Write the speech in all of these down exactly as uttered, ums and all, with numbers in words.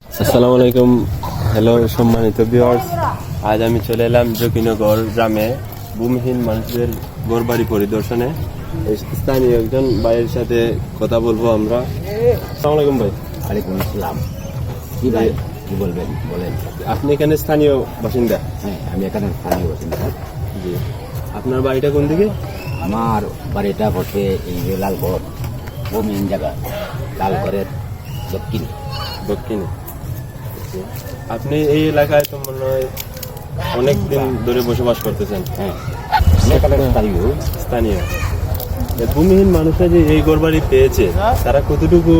আসসালামু আলাইকুম, হ্যালো সম্মানিত ভিউয়ার্স। আজ আমি চলে এলাম জকিনগর গ্রামে ভূমিহীন মানুষদের ঘরবাড়ি পরিদর্শনে। স্থানীয় একজন ভাইয়ের সাথে কথা বলবো আমরা। আসসালামু আলাইকুম ভাই। ওয়ালাইকুম আসসালাম। কি ভাই কি বলবেন বলেন। আপনি এখানে স্থানীয় বাসিন্দা? হ্যাঁ, আমি এখানে স্থানীয় বাসিন্দা। জি। আপনার বাড়িটা কোন দিকে? আমার বাড়িটা হচ্ছে এই যে লালগড়, ও মেন জায়গা, লালগড়ের দক্ষিণ দক্ষিণে। আপনি এই এলাকায় তো মনে হয় অনেক দিন ধরে বসবাস করতেছেন। হ্যাঁ, আমি এখানে স্থানীয়। স্থানীয় এই ভূমিহীন মানুষরা যে এই ঘরবাড়ি পেয়েছে, তারা কতটুকু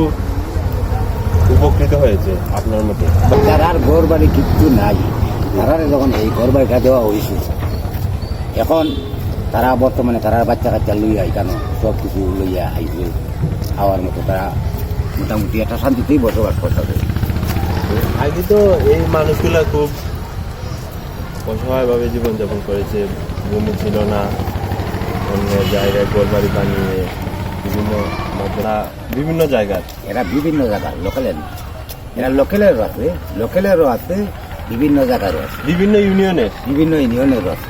উপকৃত হয়েছে আপনার মতে? যারার ঘর বাড়ি কিচ্ছু নাই, তারা যখন এই ঘর বাড়িটা দেওয়া হয়েছে, এখন তারা বর্তমানে তারা বাচ্চা কাচ্চা লইয়া এখানে সব কিছু লইয়া আইছে, খাওয়ার মতো তারা মোটামুটি একটা শান্তিতেই বসবাস করতে। আগে তো এই মানুষগুলা খুব অসহায়ভাবে জীবনযাপন করেছে। ভূমি ছিল না, অন্য জায়গায় ঘরবাড়ি বানিয়ে বিভিন্ন মতরা বিভিন্ন জায়গায় এরা বিভিন্ন জায়গার লোকালের, এরা লোকালেরও আছে, লোকালেরও আছে, বিভিন্ন জায়গারও আছে, বিভিন্ন ইউনিয়নের বিভিন্ন ইউনিয়নেরও আছে।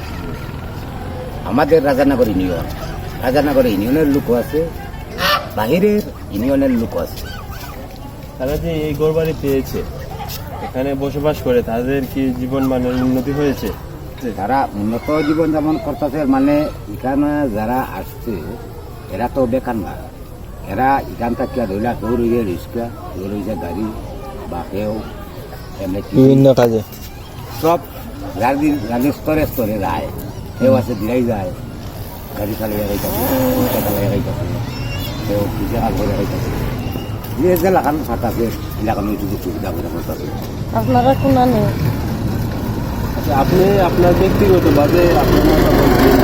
আমাদের রাজানগর ইউনিয়ন, রাজানগর ইউনিয়নের লোকও আছে, বাহিরের ইউনিয়নের লোকও আছে। তারা যে এই ঘরবাড়ি পেয়েছে, এখানে বসবাস করে তাদের কি জীবন মানের উন্নতি হয়েছে? তারা উন্নত জীবন যাপন করতেছে, মানে এখানে যারা আসছে এরা তো বেকার না, এরা এখান থেকে ধরলা কেউ রয়েছে রিক্সা, কেউ রয়েছে গাড়ি, বা কেউ এমনি বিভিন্ন কাজে সব গাড়ির গাড়ির স্তরে স্তরে যায়। কেউ আছে দিলাই যায়, গাড়ি চালিয়ে গাইতেছে, রিক্সা চালিয়ে গাইতেছে, কেউ কিছু কাজ করে গাইতেছে। যে যে লাগানো থাকতেছে এলাকানো একটু সুবিধা করে করতেছে। আপনারা কোন নেই? আচ্ছা, আপনি আপনার ব্যক্তিগতভাবে আপনার মতামত দিন।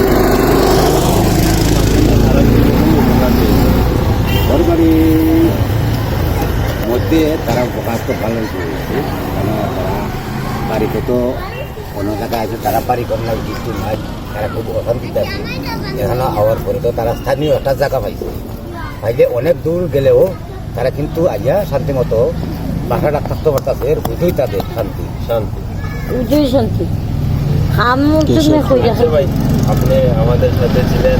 তারা কিরকম উপকার পেয়েছে? ঘর বাড়ির মধ্যে তারা উপকার তো ভালোই করেছে, কেন তারা বাড়িতে তো কোনো জায়গায় আছে, তারা বাড়ি করলে কিছু নাই, তারা খুব অশান্তিতে আছে। এখানে আওয়ার পরে তো তারা স্থানীয় একটা জায়গা পাইছে, পাইলে অনেক দূর গেলেও তারা কিন্তু আইয়া শান্তি মতো বাসাটা থাকতে পারতেছে। বুঝই তাদের শান্তি শান্তি উজই শান্তি খাম তুমি কই আচ্ছা ভাই, আপনি আমাদের সাথে ছিলেন,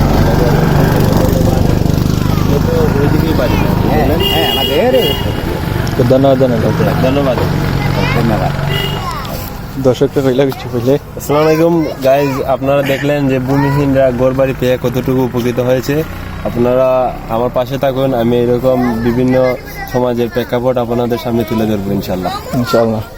আপনি তো ওইদিকেই বাড়ি না? হ্যাঁ হ্যাঁ আমাদের ধন্যবাদ জানালাম। ধন্যবাদ। ধন্যবাদ। দর্শককে কইলা কিছু কইলে। আসসালামু আলাইকুম গাইজ, আপনারা দেখলেন যে ভূমিহীনরা ঘরবাড়ি পেয়ে কতটুকু উপকৃত হয়েছে। আপনারা আমার পাশে থাকুন, আমি এরকম বিভিন্ন সমাজের প্রেক্ষাপট আপনাদের সামনে তুলে ধরবো ইনশাল্লাহ। ইনশাআল্লাহ।